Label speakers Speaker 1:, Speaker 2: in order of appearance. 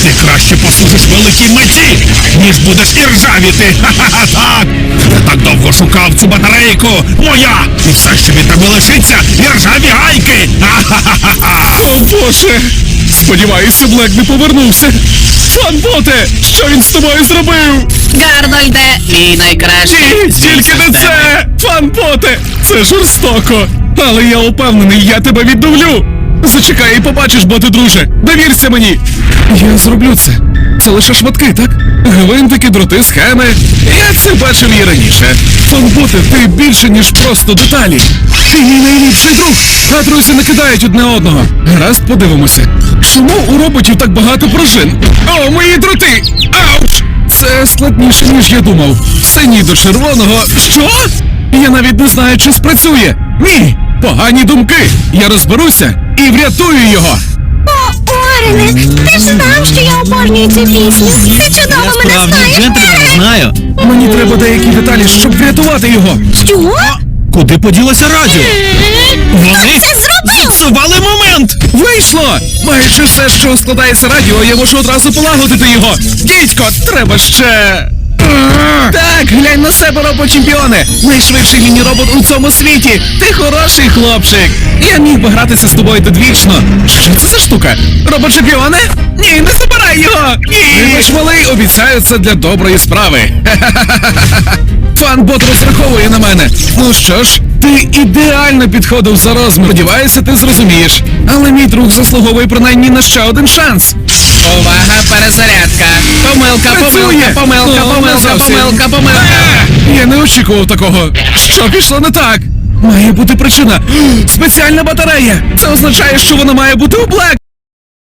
Speaker 1: Ти краще послужиш великій меті, ніж будеш іржавіти. Ха-ха-ха, так! Я так довго шукав цю батарейку. Моя! І все, що від тебе лишиться, іржаві гайки. Ха-ха-ха-ха!
Speaker 2: О, Боже! Сподіваюся, Блек не повернувся. Фанботе, що він з тобою зробив?
Speaker 3: Гарнольде, мій найкращий.
Speaker 2: Тільки не це! Фанботе, це жорстоко. Але я упевнений, я тебе відновлю. Зачекай і побачиш, боти, друже. Довірся мені. Я зроблю це. Це лише шматки, так? Гвинтики, дроти, схеми. Я це бачив і раніше. Фанботе, ти більше, ніж просто деталі. Ти мій найліпший друг. А друзі не кидають одне одного. Гаразд, подивимося. Чому у роботів так багато пружин? О, мої дроти! Ауч! Це складніше, ніж я думав. Синій до червоного. Що? Я навіть не знаю, чи спрацює. Ні! Погані думки! Я розберуся і врятую його!
Speaker 4: О, Орене, ти ж знав, що я обожнюю цю пісню. Ти чудово мене знаєш.
Speaker 5: Джентльмен, знаю.
Speaker 2: Мені треба деякі деталі, щоб врятувати його.
Speaker 4: Що?
Speaker 5: Куди поділося радіо? Вони
Speaker 4: Це зробив!
Speaker 5: зіпсували момент!
Speaker 2: Вийшло! Майже все, що складається радіо, я можу одразу полагодити його. Дідько, треба ще... Так, глянь на себе, робот-чемпіоне! Найшвидший міні-робот у цьому світі! Ти хороший хлопчик! Я міг би гратися з тобою довічно. Що це за штука? Робот-чемпіоне? Ні, не забирай його! Ні! Вибач, малий, обіцяю, це для доброї справи. Фанбот розраховує на мене. Ну що ж, ти ідеально підходив за розмір. Сподіваюся, ти зрозумієш. Але мій друг заслуговує принаймні на ще один шанс.
Speaker 3: Увага, перезарядка. Помилка,
Speaker 2: Працює!
Speaker 3: помилка,
Speaker 2: Ну,
Speaker 3: помилка,
Speaker 2: не зовсім.
Speaker 3: помилка, помилка.
Speaker 2: Я не очікував такого. Що пішло не так? Має бути причина. Спеціальна батарея. Це означає, що вона має бути у Блек.